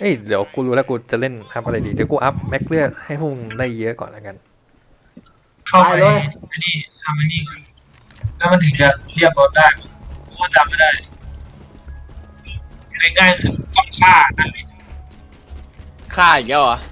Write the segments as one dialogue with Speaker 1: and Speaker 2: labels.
Speaker 1: อ้ยเดี๋ยวกูรู้แล้วกูจะเล่นอัพอะไรดีเดี๋ยวกูอัพแม็กเลือดให้พวกมึงได้เยอะก่อนแล้วกัน
Speaker 2: เข้าไปอันนี้ทำอันนี้ก่อนแล้วมันถึงจะเรียกรถได้กูก็จำไม่ได้ง่ายๆคือต้องฆ่านั่นเอง
Speaker 3: ฆ่าอีกแล้วเหรอ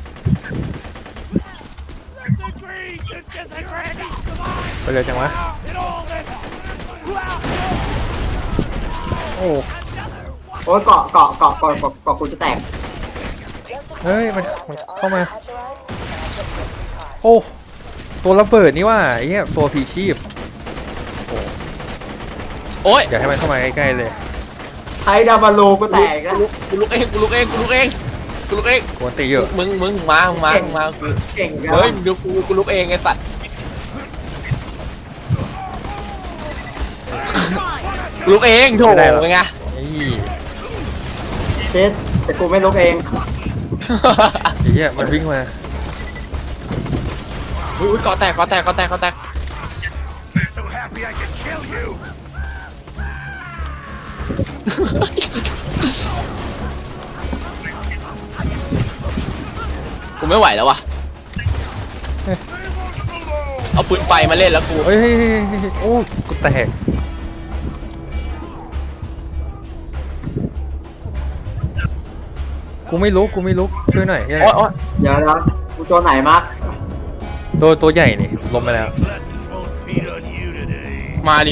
Speaker 1: ไปเลยจังวะโอ้
Speaker 4: โอ้ยเกาะกูจะแตก
Speaker 1: เฮ้ยมันเข้ามาโอ้ตัวระเบิดนี่ว่าไอ้เหี้ยตัวพีชีพ
Speaker 3: โอ้ย
Speaker 1: อย่าให้มันเข้ามาใกล้ๆเลย
Speaker 4: ไทดาบาโลกูแตกแล้ว
Speaker 3: กูลุกเองกู
Speaker 1: ตีเยอะ
Speaker 3: มึงมากู
Speaker 4: เก่งกัน
Speaker 3: เฮ้ยดูกูลุกเองไอ้สัตว์กูลุกเองโถเป็นไง
Speaker 4: เช็ดแต่กูไม่ลุกเอง
Speaker 1: ไอ้เหี้ยมันวิ่งมา
Speaker 3: อุ้ยกอแตกกูไม่ไหวแล้ววะเอาปืนไฟมาเล่นแล้วกู
Speaker 1: เฮ้ยโอ้กูแตกกูไม่ลุกช่วยหน่อยเ
Speaker 4: ดี๋ยวนะกูตัวไหนมาร์ค
Speaker 1: ตัวใหญ่นี่ล้มไปแล้ว
Speaker 3: มาดิ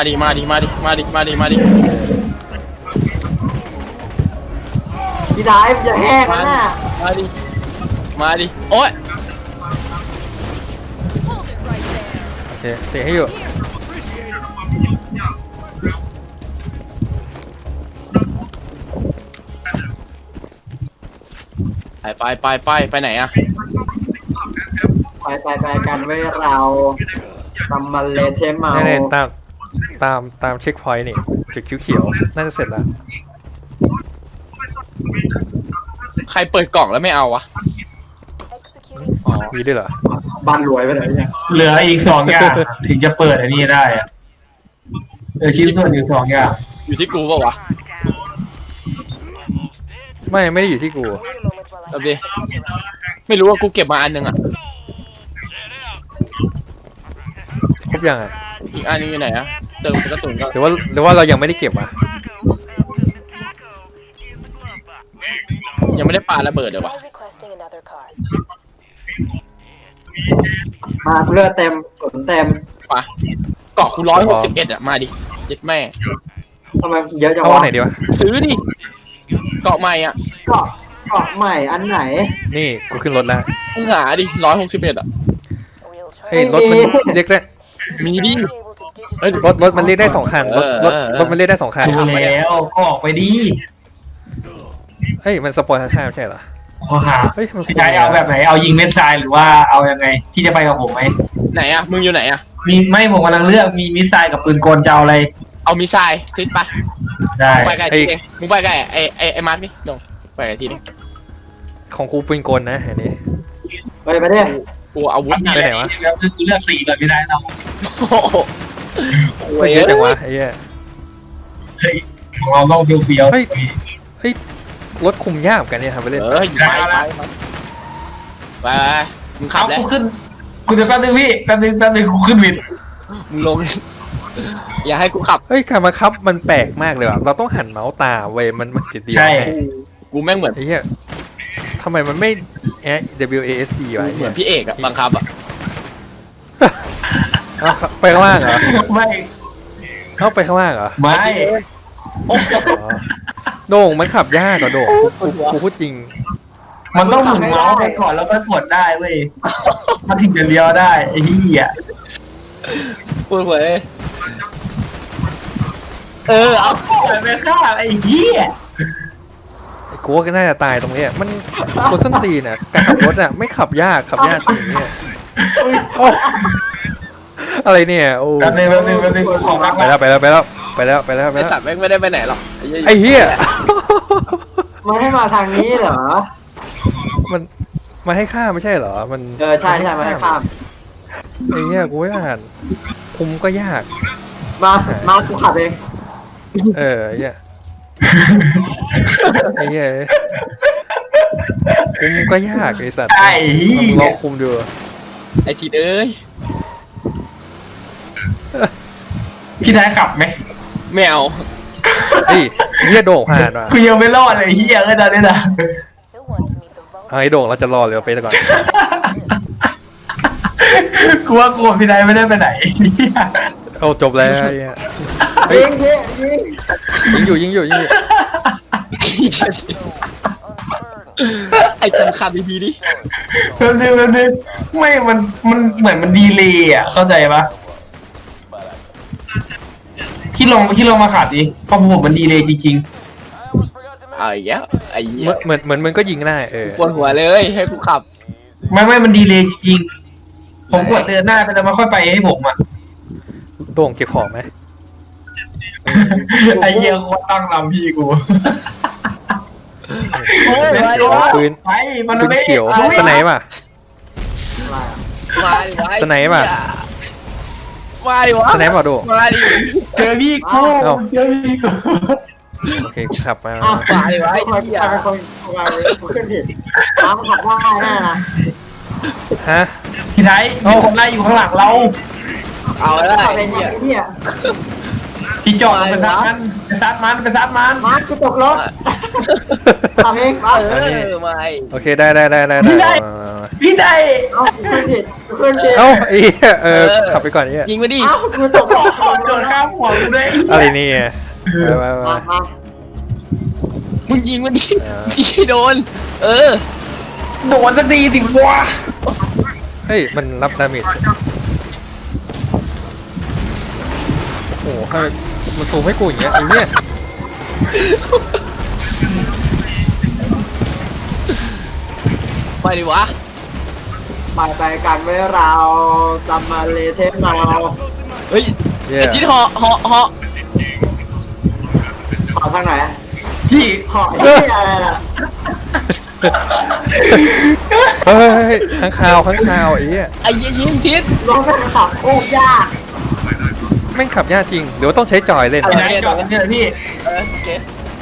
Speaker 4: พี่ไดฟ์อย่าแห้งนะ
Speaker 3: มาดิโอ๊ย
Speaker 1: โอเคเตะให้อยู่
Speaker 3: ไปไหนอะ
Speaker 4: ไปกันไว้เราทำมันเลเทมเมา
Speaker 1: แน่ตามเช็คพอยต์นี่จุดเขียวๆน่าจะเสร็จแล้ว
Speaker 3: ใครเปิดกล่องแล้วไม่เอาวะ
Speaker 1: อ๋อมีด้วยเหรอ
Speaker 4: บ้านรวยไปไหนเนี่ย
Speaker 2: เหลืออีก2 อย่างถึงจะเปิดอันนี้ได้อะชิ้นส่วนอยู่2 อย่าง
Speaker 3: อยู่ที่กูเปล่าวะ
Speaker 1: ไม่ได้อยู่ที่กู
Speaker 3: แบบดิไม่รู้ว่ากูเก็บมาอันนึงอะ
Speaker 1: ครบยังอ่ะ
Speaker 3: อีกอันนึงอยู่ไหนอะเติมกระสุนก็
Speaker 1: หรือว่าเรายังไม่ได้เก็บอ่ะ
Speaker 3: ยังไม่ได้ปาระเบิดเลยวะ
Speaker 4: มาเลือดเต็มกดเต็ม
Speaker 3: ปะเกาะกู161อะมาดิยึดแม่
Speaker 4: ทำไมเยอะจัง
Speaker 1: วะ
Speaker 4: เอา
Speaker 1: ไหนดีวะ
Speaker 3: ซื้อดิเกาะใหม่อะ
Speaker 4: เกาะใหม่อันไหน
Speaker 1: นี่กูขึ้นรถแล้ว
Speaker 3: หาดิ161อะ
Speaker 1: เฮ้ยรถมันเรียกได้
Speaker 3: มีดิ
Speaker 1: รถมันเรียกได้2 คันรถมันเรียกได้2 คัน
Speaker 2: ดูแล้วก็ออกไปดิ
Speaker 1: เฮ้ยมันสปอยล์ข้างๆไม่ใช่เหรอ
Speaker 2: ข้อหา
Speaker 1: เฮ้ย
Speaker 2: พี่ชายเอาแบบไหนเอายิงเม็ดทรายหรือว่าเอายังไงที่จะไปกับผมไหม
Speaker 3: ไหนอะมึงอยู่ไหนอะ
Speaker 2: มีไม่ผมกำลังเลือกมีมิสไซล์กับปืนกลจะเอาอะไร
Speaker 3: เอามิสไซล์ทิศปะ
Speaker 2: ได้
Speaker 3: ไปไกลทีเองมึงไปไกลไอ้มาร์คนี่ลงไปไกลทีนึง
Speaker 1: ของกูปืนกลนะอันนี้
Speaker 4: ไปดิ
Speaker 3: กูอาวุธ
Speaker 1: ไปไหนวะ
Speaker 2: แล้วคือเลือกสีก่อนไม่ได้เรา
Speaker 1: โอ้ยเยอะจังวะไอ้เหี้ย
Speaker 2: ของเราต้องเฟี้ยว
Speaker 1: เฮ้ยรถคุมยากกันเนี่ยทำไปเล่น
Speaker 3: ไปมึงขับแล้ว
Speaker 2: ขึ้นกูจะแป๊บนึงพี่แป๊บนึงกูขึ้นวิน
Speaker 3: มึงลงอย่าให้กูขับ
Speaker 1: เฮ้ยการบังคับมันแปลกมากเลยว่ะเราต้องหันเมาส์ตาเว้ยมันจะดี
Speaker 2: ใช่
Speaker 3: กูแม่งเหมือน
Speaker 1: ไอ้เหี้ยทำไมมันไม่ WASD วะ
Speaker 3: เหมือนพี่เอกอะบังคับอะ
Speaker 1: ไปข้างล่างเหรอ
Speaker 2: ไม่
Speaker 1: เข้าไปข้างล่างเหรอ
Speaker 2: ไม่
Speaker 1: โด่งมันขับยากกว่าโด่งกูพูดจริง
Speaker 2: มันต้องหมุนเมาส์ไปก่อนแล้วก็กดได้เว้ยมันถึงจะเลี้ยวได้ไอ้เหี้ย
Speaker 3: พูดเลย
Speaker 2: เอาไปฆ่าไอ้เหี้ย
Speaker 1: กูว่าก็น่าจะตายตรงนี้มันคนส้นตีนอ่ะการขับรถอ่ะไม่ขับยากจริงเนี่ยอะไรเนี่ยโอ้
Speaker 2: แป๊บนึงของรัก
Speaker 1: ไปแล้ว
Speaker 3: ไอ้สัตว์ไม่ได้ไปไหนหรอก
Speaker 1: ไอ้เหี้ย
Speaker 4: มันให้มาทางนี้เหรอ
Speaker 1: มันให้ข้ามไม่ใช่เหรอมัน
Speaker 4: ใช่มาให้ข้าม
Speaker 1: ไอ้เหี้ยกูไม่อ่านคุมก็ยาก
Speaker 4: มากูขับเอง
Speaker 1: ไอ้เหี้ยไอ้เหี้ยคุมก็ยากไอ้สัตว์
Speaker 2: ไอ้
Speaker 1: มึงลองคุมดู
Speaker 3: ไอ้ทีเอ้ย
Speaker 2: พี่ได้ขับไหม
Speaker 3: ไม่เอา
Speaker 1: เฮ้ยเฮียโด่งผ่านว่ะ
Speaker 2: กูยังไม่รอดเลยเฮียก็ตอนนี้นะ
Speaker 1: เอาไอ้โด่งเราจะรอเรือไปก่อน
Speaker 2: กูว่ากูกับพี่ได้ไม่ได้ไปไหนเหี้ย
Speaker 1: เอาจบแล้วไอ้เหี้ย
Speaker 4: ยิงพี่ยิง
Speaker 1: ยิงอยู่
Speaker 3: ไอ้ตัวขับดีๆดิ
Speaker 2: แป๊บนึงไม่มันเหมือนมันดีเลยอ่ะเข้าใจปะที่ลงมาขับดิเพราะผมมันดีเลยจริง
Speaker 3: เอาอีกแล้วไอ้เหี้ย
Speaker 1: เหมือนมึงก็ยิงได้
Speaker 3: ปวดหัวเลยให้กูขับ
Speaker 2: ๆไม่มันดีเลยจริงๆผมกดเดินหน้าไปแล้วมาค่อยไปให้ผมอ่ะ
Speaker 1: โด่งเก็บของไหม
Speaker 2: ไอ้เหี้ยโคตรตั้งลำพี่กู
Speaker 1: ปืน
Speaker 2: ไปมัน
Speaker 1: ปืน
Speaker 2: ไม่
Speaker 1: เขียว
Speaker 2: อา
Speaker 1: สไนป์ป่ะ
Speaker 3: มาดิวะ
Speaker 1: สไนป์ป่ะ
Speaker 3: มาดิวะ
Speaker 1: สไนป์ป่ะโด่ง
Speaker 3: มาดิ
Speaker 2: เจอพี่กู
Speaker 1: เอ้า
Speaker 2: เจอพี่กู
Speaker 1: โอเคกูขับมา
Speaker 4: อ้าว
Speaker 3: มาดิวะไอ้
Speaker 4: คน
Speaker 3: เหี้ย
Speaker 4: เป็นคนขึ้นผิดน้ำขับว่าแน่นะ
Speaker 1: ฮะ
Speaker 2: พี่ไทยมีคนไล่อยู่ข้างหลังเรา
Speaker 3: เอาแล้ว
Speaker 4: ขับ
Speaker 3: ไอ้
Speaker 4: เป็น
Speaker 3: เหี้ย
Speaker 4: เนี่ย
Speaker 2: พี่จอดไปซัดมันไปซัดมัน
Speaker 4: มาร์คกูตกรถทำเองมา
Speaker 3: เออไม่
Speaker 1: โอเคได้
Speaker 2: พี่ได้
Speaker 4: เอาขึ้นผิดขึ้นผิด
Speaker 1: เอ้าไอ้เหี้ยขับไปก่อนไอ้เหี้ย
Speaker 3: ยิงมาดิ
Speaker 4: เอ้ากูตกรถ
Speaker 2: โดนข้ามหัวกูเลย
Speaker 1: อะไรเนี่ยมา
Speaker 4: มามา
Speaker 3: มึงยิงมาดิยิงให้โดน เออ
Speaker 2: โดนสักทีสิวะ
Speaker 1: เฮ้ยมันรับดาเมจโอ้โหให้มันซูมให้กูอย่างเงี้ยไอ้เหี้ย
Speaker 3: ไปดิวะ
Speaker 4: ไปกันไว้เราจำมาเลเทปเรา
Speaker 3: เฮ้ย
Speaker 1: เหี้ย
Speaker 3: ไอ้ที่เหาะ
Speaker 4: ขอทางไหน
Speaker 2: พี่
Speaker 4: ขอที่อะไรล่ะ
Speaker 1: เฮ้ยข้างคาวไอ้เหี้ย
Speaker 3: ไอ้เหี้ยยิงทิศ
Speaker 4: ลงไปขับโอ้ยาก
Speaker 1: แม่งขับยากจริงเดี๋ยวต้องใช้จอยเล่น
Speaker 2: พี่ได้จอดกันเถอะพี่
Speaker 3: โอเค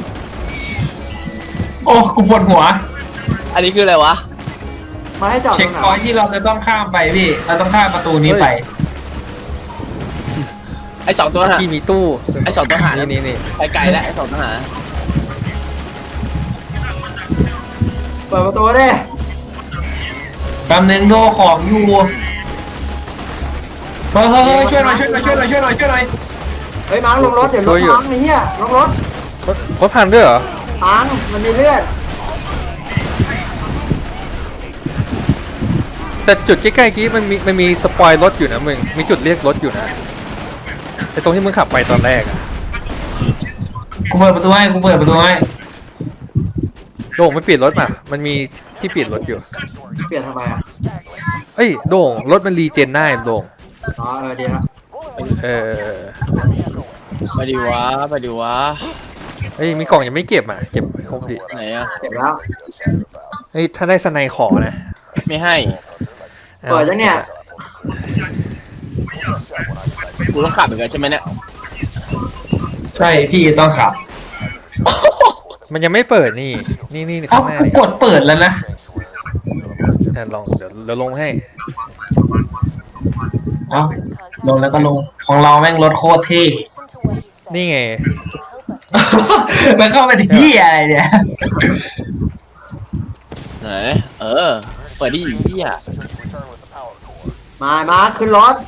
Speaker 2: โอ้กูปวดหัว
Speaker 3: อันนี้คืออะไรวะ
Speaker 4: มาให้จอดต
Speaker 2: เช็
Speaker 4: ร
Speaker 2: ค
Speaker 4: งไหน
Speaker 2: พอยท์ที่เราจะต้องข้ามไปพี่ เราต้องข้ามประตูนี้ไป
Speaker 3: ไอ้สองตัวหา
Speaker 1: ที่มีตู้
Speaker 3: ไอ้สองทหาร
Speaker 1: นี่
Speaker 3: ไปไกลแล้วไอ้สองทหาร
Speaker 4: เปิดประตูดิ
Speaker 2: แป๊บนึงโดของอยู่เฮ้ยช่วยหน่อย
Speaker 4: เฮ้ยมาร์คลงรถเดี๋ยวรถพังไอ้เหี้ยลงรถ
Speaker 1: รถพังด้วยเหรอ
Speaker 4: พังมันมีเลือด
Speaker 1: แต่จุดใกล้ๆกี้มันมีสปอยรถอยู่นะมึงมีจุดเรียกรถอยู่นะไอ้ตรงที่มึงขับไปตอนแรกอะ
Speaker 2: กูเปิดประตูให้
Speaker 1: โด่งไม่ปิดรถมามันมีที่ปิดรถอยู่
Speaker 4: เปลี่ยนทำไมอ่ะ
Speaker 1: เอ้ยโด่งรถมันรีเจนได้โด่ง
Speaker 4: อ๋อดีละ
Speaker 1: เออ
Speaker 3: ไปดิวะ
Speaker 1: เฮ้ยมีกล่องยังไม่เก็บอ่ะเก็บให้ครบดิ
Speaker 3: ไหนอะ
Speaker 4: เก็บแล้ว
Speaker 1: เฮ้ยถ้าได้สไนขอนะ
Speaker 3: ไม่ให้
Speaker 4: เปิดยังเนี่ย
Speaker 3: กูต้องขับเหมือนกันใช่ไหมเนี่ย
Speaker 2: ใช่พี่ต้องขับ
Speaker 1: มันยังไม่เปิดนี่
Speaker 2: เอ้า
Speaker 1: ข้างหน้า
Speaker 2: กู
Speaker 1: นี่
Speaker 2: กดเปิดแล้วนะ
Speaker 1: ลองเดี๋ยวลงให้
Speaker 2: เอ้าลงแล้วก็ลงของเราแม่งรถโคตรเท่
Speaker 1: นี่ไง
Speaker 2: มันเข้าไปที่อะไรเนี่ย
Speaker 3: ไหนเออเปิดดิเหี้ย
Speaker 4: มาขึ้นรถ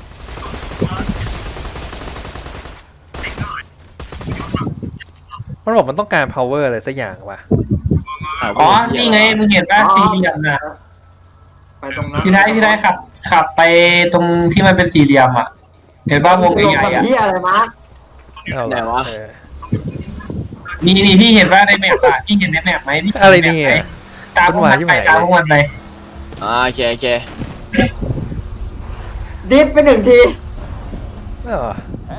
Speaker 1: มันบอกมันต้องการ power อะไรสักอย่างว่ะ
Speaker 2: อ๋อ นี่ไงมึงเห็นป่ะสี่เหลี่ยมน่ะ
Speaker 4: ไปตรงนั้น
Speaker 2: พี่ได้ขับไปตรงที่มันเป็นสี่เหลี่ยมอ่ะ เห็นป่ะวง
Speaker 4: ลง
Speaker 2: ใหญ่
Speaker 4: กับ
Speaker 2: ๆอ่ะ
Speaker 4: ที่อะไรมาร์ค
Speaker 1: เอาล่เออ
Speaker 2: นี่พี่เห็นป่ะในแมปอ่ะพี่เห็นในแมปไหมพี่
Speaker 1: อะไรเนี่ย
Speaker 2: ตามพวกมันไปตามพวกมันไป
Speaker 3: โอเค
Speaker 4: ดิฟไปหนึ่งที
Speaker 1: เออ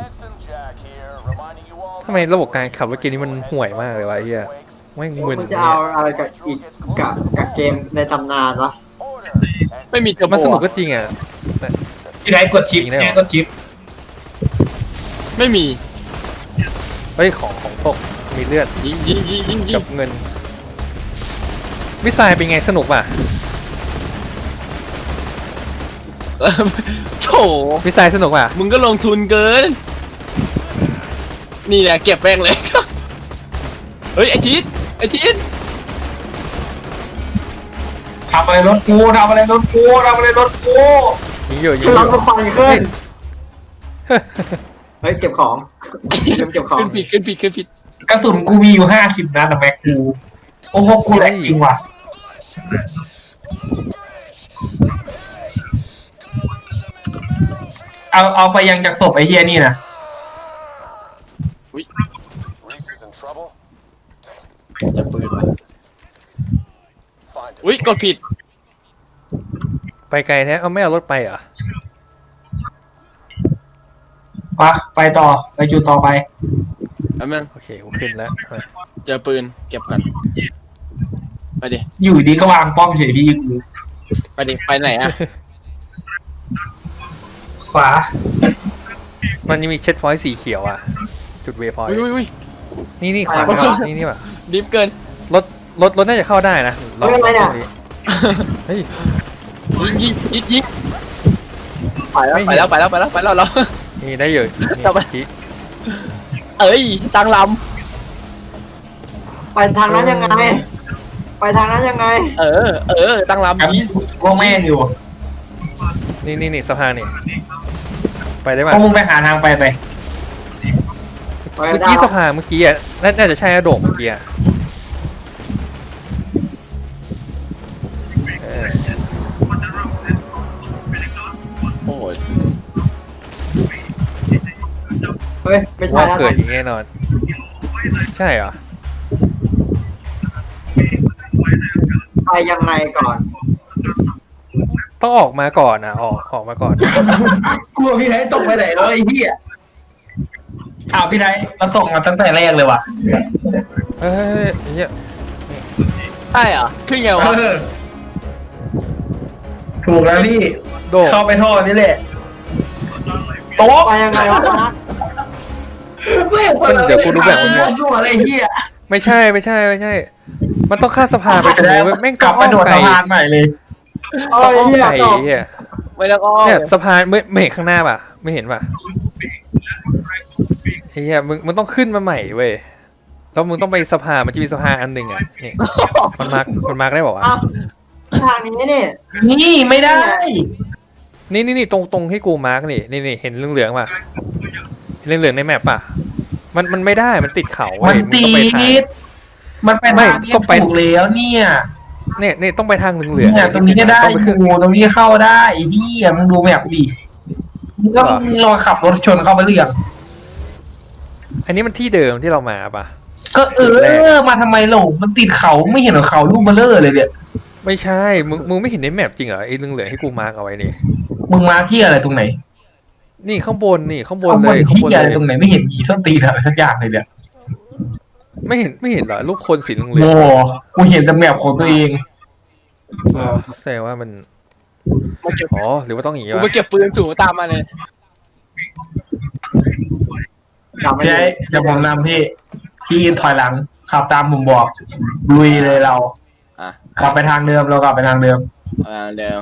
Speaker 1: ทำไมระบบการขับรถเกมนี้มันห่วยมากเลยวะไอ้เหี้ยไม่งมึน
Speaker 4: มันจะเอาอะไรกับอีกกับเกมในตำนานวะ
Speaker 3: ไม่มี
Speaker 1: มันสนุกก็จริงอ่ะ
Speaker 2: พี่ได้กดชิปกดชิป
Speaker 3: ไม่มี
Speaker 1: เฮ้ยของตกมีเลือด
Speaker 3: ยิง
Speaker 1: กับเงินมิสไซล์เป็นไงสนุกป่ะ
Speaker 3: โถ
Speaker 1: มิสไซล์สนุกป่ะ
Speaker 3: มึงก็ลงทุนเกิน นี่แหละเก็บแป้งเลย เฮ้ยไอทิศไอทิศ
Speaker 2: ทำอะไรรถกูทำอะไรรถกูทำอะไรรถกู
Speaker 1: ยิงอยู่ยิง
Speaker 4: คือ
Speaker 1: อ
Speaker 4: เรา
Speaker 1: ยู่
Speaker 4: ก็ไฟขึ้นเฮ้ยเก็บของเก็บของ
Speaker 3: ขึ้นผิด
Speaker 2: กระสุนกูมีอยู่50 นัดอะแม็กกูโอ้โหกูแหลกจริงว่ะเอาไปยังจากศพไอ้เฮียนี่นะ
Speaker 3: จะปืนวะอุ้ยกดผิด
Speaker 1: ไปไกลแท้เอาไม่เอารถไปเหรอ
Speaker 2: ไปต่อไปจุดต่อไป
Speaker 3: แล้วมึง
Speaker 1: โอเคกูขึ้นแล้วไป
Speaker 3: เจอปืนเก็บกันไปดิ
Speaker 2: อยู่ดีก็วางป้อมเฉยพี่กู
Speaker 3: ไปดิไปไหนอ่ะ
Speaker 2: ขวา
Speaker 1: มันยังมีเช็ดพอยต์สีเขียวอ่ะจุดเวพอยต์
Speaker 3: อุ้ย
Speaker 1: นี่ขวานี่ป่ะ
Speaker 3: ดิฟเกิน
Speaker 1: รถน่าจะเข้าได้นะลองตรงนี้เฮ้ย
Speaker 3: ยิงไปแล้ว
Speaker 1: นี่ได้อยู่นี่
Speaker 3: เอาไป
Speaker 1: ชี้
Speaker 3: เอ้ยตั้งล
Speaker 4: ไปทางนั้นยังไง ไปทางนั้นยังไง
Speaker 3: ำตั้งลำ
Speaker 2: ครับ
Speaker 3: ดี
Speaker 2: พวกแม่งอยู่
Speaker 1: นี่สะพานนี่ไปได้
Speaker 2: พ
Speaker 1: ป่ะ
Speaker 2: วกมึงไปหาทางไป
Speaker 4: ไป
Speaker 1: เมื่อ
Speaker 4: ได้
Speaker 1: กี้สะพานเมื่อกี้อ่ะน่าจะใช่โด่งเมื่อกี้อ่ะเออ
Speaker 3: โอ้ย
Speaker 4: เฮ้ยไม่ใช่
Speaker 1: ว่า
Speaker 4: แล้ว
Speaker 1: เกิดอย่างแน่นอนใช่เหรอ
Speaker 4: ไปยังไงก่อน
Speaker 1: ต้องออกมาก่อนนะออกมาก่อน
Speaker 2: กลัวพี่ไทยตกไปไหนแล้วไอ้เหี้ยอ้าวพี่ไทยมันตกมาตั้งแต่แรกเลยว่ะ
Speaker 1: เฮ้ยเฮีย
Speaker 3: ใช่เหรอขึ้นไงวะ
Speaker 2: ถูกแล้วพี่
Speaker 1: โดด
Speaker 2: เข้าไปท่อนี่แหละโต๊ะ
Speaker 4: ไปยังไงวะนะ
Speaker 1: เดี๋ยวกูดูแบบมึง
Speaker 2: มั่วอะไรเหี้ย
Speaker 1: ไม่ใช่ มันต้องข้ามสะพานไปตรงนู้นเว้ยแม่ง
Speaker 2: กลับไปโดด
Speaker 1: ไกล
Speaker 2: สะพานใหม่เลย
Speaker 4: โอ้
Speaker 1: ต้อง
Speaker 4: ย
Speaker 1: อ้อม
Speaker 4: เหี้ย
Speaker 1: ไกล
Speaker 4: ตก
Speaker 1: เฮีย
Speaker 3: ไม่ต้องอ้อม
Speaker 1: เนี่ยสะพานไม่เห็นข้างหน้าป่ะ ไม่เห็นป่ะเฮียมึงต้องขึ้นมาใหม่เว้ยแล้วมึงต้องไปสะพานมันจะมีสะพานอันหนึ่งอ่ะนี่มันมาร์กได้บอกว่า
Speaker 4: อ้าวทางนี้นี่
Speaker 2: นี่ไม่ได้
Speaker 1: นี่ตรงให้กูมาร์กนี่เห็นเหลืองๆป่ะเหลืองๆในแมปป่ะมันไม่ได้มันติดเขาเว้
Speaker 2: มัน
Speaker 1: ย
Speaker 2: ตี
Speaker 1: ต้องไปทาง
Speaker 2: มันไปทางนี้ถูกแล้วเนี่ย
Speaker 1: เนี่ยต้องไปทางเหลืองๆ
Speaker 2: เนี่ยตรงนี้ก็ได้
Speaker 1: ต้องปขึ้น
Speaker 2: งูตรงนี้เข้าได้ไอ้ที่มึงดูแบบดิมึงก็
Speaker 1: เหรอ
Speaker 2: มึงรอขับรถชนเข้าไปเรื่อง
Speaker 1: อันนี้มันที่เดิมที่เรามาป่ะ
Speaker 2: ก็มาทำไมหลงมันติดเขาไม่เห็นเหรอเขาลูกเบลเลอร์เลยเนี่ย
Speaker 1: ไม่ใช่มึงไม่เห็นในแมปจริงเหรอไอ้เหลืองๆให้กูมาร์กเอาไว้นี่
Speaker 2: มึงมาที่อะไรตรงไหน
Speaker 1: นี่ข้างบนเลย
Speaker 2: ข้า
Speaker 1: ข้าง ง
Speaker 2: บบ น
Speaker 1: น
Speaker 2: ที่
Speaker 1: เล
Speaker 2: อะไร
Speaker 1: ย
Speaker 2: ตรงไหนไม่เห็นยีส้นตีนอะไรสักอย่างเลยเนี่ย
Speaker 1: ไม่เห็นเหรอรูปคนสีเหลือง
Speaker 2: โว้กูเห็นแต่แมพของตัวเอง
Speaker 1: ๆแสดงว่ามัน
Speaker 3: มาเก็บ
Speaker 1: อ๋อหรือว่าต้องอย่างงี้
Speaker 3: กู
Speaker 1: วะ
Speaker 3: ไปเก็บปืนสูงตามมาเลย
Speaker 4: จำไม่
Speaker 2: พี่
Speaker 4: ได้
Speaker 2: ไอ้จะผมนำพี่ถอยหลังขับตามผมบอกลุยเลยเรา
Speaker 3: อ่ะ
Speaker 2: กลับไปทางเดิมเรากลับไปทางเดิม
Speaker 3: เดี๋ยว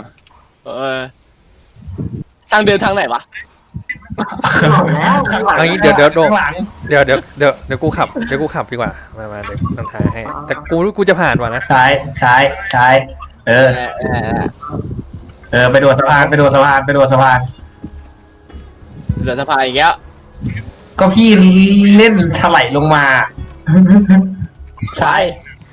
Speaker 3: ทางเดินทางไหนวะ
Speaker 4: บอกแล้วไม่ไหว
Speaker 1: เอางี้
Speaker 4: แล้ว
Speaker 1: เดี๋ยว
Speaker 2: ข้างหลัง
Speaker 1: เดี๋ยวกูขับดีกว่ามาเดี๋ยวนำทางให้แต่กูจะผ่านว่ะนะ
Speaker 2: ซ้ายเออไปโดดสะพานไปโดดสะพาน
Speaker 3: เหลือสะพานอีกแล้ว
Speaker 2: ก็พี่เล่นถลายลงมา ซ้าย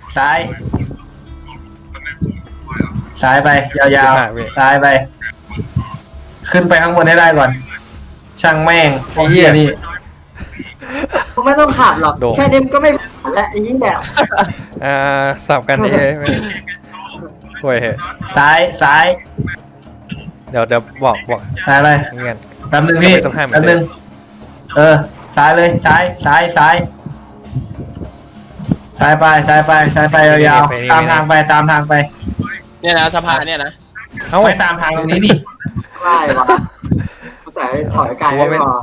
Speaker 2: ไปยาวๆซ้ายไป ขึ้นไปข้างบนให้ได้ก่อน ช่างแม่งไอ้เหี้ยนี่
Speaker 4: กูไม่ต้องขับหรอกแค่นี้มันก็ไม่ผ่านแล้วไอ้นี่แหละ
Speaker 1: สับกันนี่โว้ย
Speaker 2: ซ้าย
Speaker 1: เดี๋ยวบอก
Speaker 2: ซ้ายไป
Speaker 1: เงี้ย
Speaker 2: แป๊บนึงพี่
Speaker 1: ไปสะพานเหมือน
Speaker 2: แป๊บ
Speaker 1: เดิ
Speaker 2: นึ
Speaker 1: ม
Speaker 2: งซ้ายเลยซ้ายไปยาวๆตามทางไป
Speaker 3: เนี่ยนะสะพานเนี่ยนะ
Speaker 1: เอ้า
Speaker 2: ไปตามทางตรงนี้ดิ
Speaker 4: ไม่วะกูแต่ถอยไกลไม่พอ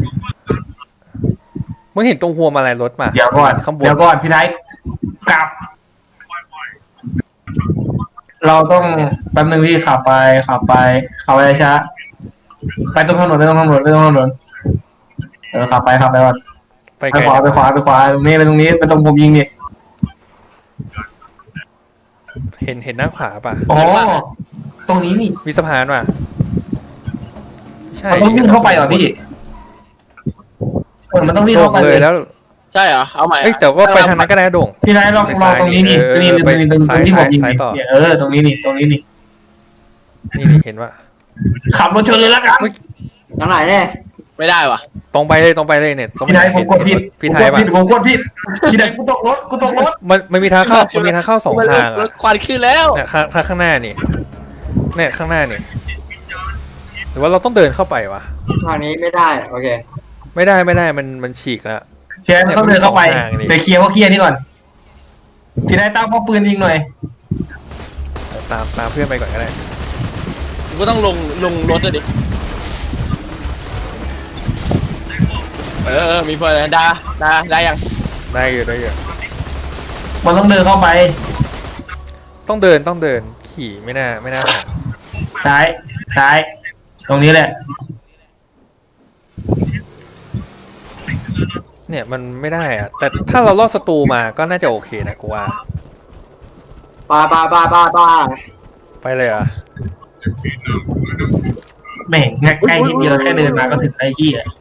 Speaker 1: มึงเห็นตรงหัวมาอะไรรถมา
Speaker 2: เดี๋ยวก่อน
Speaker 1: ข้างบน
Speaker 2: พี่ไทยกลับเราต้องแป๊บนึงพี่ขับไปขับไปช้าไปตรงถนนไปตรงถนนไปตรงถนนขับไปก่อน
Speaker 1: ไป
Speaker 2: ไป
Speaker 1: ไกล
Speaker 2: ขวาไปขวาไปขวาตรงนี้ไปตรงนี้ไปตรงผมยิงนี่
Speaker 1: เห็นหน้าขวาป่ะ
Speaker 2: อ๋อตรงนี้นี่
Speaker 1: มีสะพานป่ะใช่
Speaker 2: มันต้องวิ่งเข้าไปเหรอพี่มันต้องวิ่งเข้าไป
Speaker 1: โด่ง
Speaker 2: เล
Speaker 1: เลย ยแล้ว
Speaker 3: ใช่เหรอเอาใหม่
Speaker 1: เอ้ยแต่ว่าไปทางนั้นก็ได้โด่ง
Speaker 2: พี่นายลองตรงนี้นี่ตรงนี้ตรงที่ผมยิง
Speaker 1: ซ้ายต่อ
Speaker 2: เนี่ยตรงนี้นี่
Speaker 1: นี่เห็นว่า
Speaker 2: ขับรถชนเลยละกัน
Speaker 4: ทางไหนเนี่ย
Speaker 3: ไม่ได้วะ
Speaker 1: ตรงไปเลยเนี่ย
Speaker 2: พี่นายผมกดผิด
Speaker 1: พี่ไทยป่ะ
Speaker 2: ผมกดผิดพี่นายกูตกรถ
Speaker 1: มันมีทางเข้าสองทาง
Speaker 3: ร
Speaker 1: อะ
Speaker 3: ถควันขึ้นแล้ว
Speaker 1: เนี่ยข้างหน้านี่เนี่ยข้างหน้านี่หรือว่าเราต้องเดินเข้าไปวะ
Speaker 4: ทางนี้ไม่ได้โอเค
Speaker 1: ไม่ได้มันฉีกแล้ว
Speaker 2: เชียร์ต้องเดินเข้าไปเดี๋ยวเคลียร์นี่ก่อนพี่นายตั้งป้อมปืนยิงหน่อย
Speaker 1: ตามเพื่อนไปก่อนก็ได้
Speaker 3: กูก็ต้องลงรถเลยดิมีเพื่อนได้ยัง
Speaker 1: ได้อยู่
Speaker 2: มันต้องเดินเข้าไป
Speaker 1: ต้องเดินขี่ไม่น่าผ่าน
Speaker 2: ซ้ายตรงนี้แหละ
Speaker 1: เนี่ยมันไม่ได้อะแต่ถ้าเราลอดศัตรูมาก็น่าจะโอเคนะกูว่า
Speaker 4: ไป
Speaker 1: ไปเลยเหรอ่ะ
Speaker 2: แม่งใกล้นิดเดียวแค่เดินมาก็ถึงไอ้ที่